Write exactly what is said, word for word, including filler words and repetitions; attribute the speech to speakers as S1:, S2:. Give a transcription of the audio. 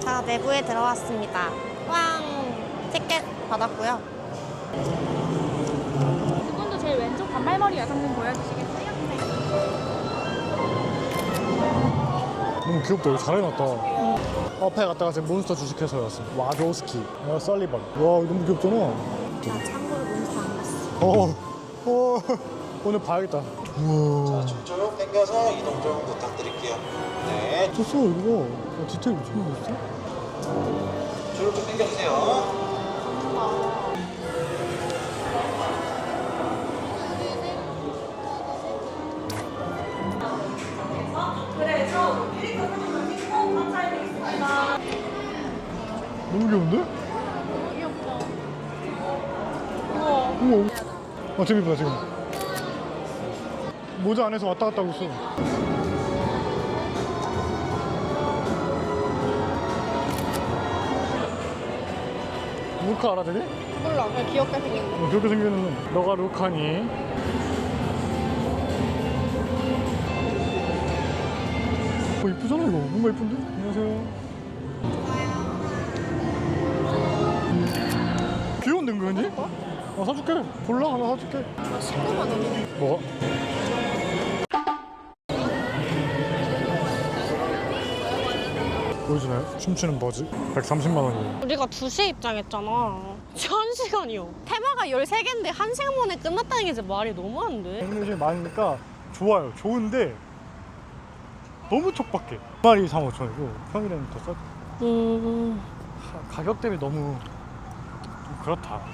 S1: 자, 내부에 들어왔습니다. 왕! 티켓 받았고요.
S2: 그분도 제일 왼쪽 단발머리 여성분 보여주시겠어요? 네.
S3: 너무 귀엽다. 이거 잘 해놨다. 앞에 갔다가 지금 몬스터 주식회사에 왔습니다. 와조스키, 어, 썰리번. 와, 이거 너무 귀엽잖아.
S1: 나 참고로 몬스터 안 봤어.
S3: 어, 어, 오늘 봐야겠다. 우와.
S4: 자, 쭉 당겨서 이동 좀 부탁드릴게요. 네.
S3: 미쳤어, 이거. 어, 디테일 미친 거 있어?
S4: 쭉 좀 당겨주세요.
S3: 너무 귀여운데?
S2: 귀엽다.
S3: 우와. 아, 재밌다, 지금. 모자 안에서 왔다 갔다 하고 있어. 루카 알아, 되게?
S1: 몰라, 그냥 귀엽게 생겼네.
S3: 어, 그렇게 생겼는 너가 루카니? 어, 이쁘잖아, 이거. 뭔가 이쁜데? 안녕하세요. 귀여운데, 은근히? 어, 사줄게. 골라, 하나 사줄게.
S1: 십구만 원이네.
S3: 뭐가? 보여주나요? 춤추는 버즈? 백삼십만 원이에요.
S1: 우리가 두 시에 입장했잖아. 한 시간이요. 테마가 열세 개인데 한 시간 만에 끝났다는 게 진짜 말이 너무 안 돼.
S3: 애니메이션이 많으니까 좋아요. 좋은데 너무 촉박해. 한 마리 사만 오천 원이고 평일에는 더 싸고.
S1: 음...
S3: 가격 대비 너무 좀 그렇다.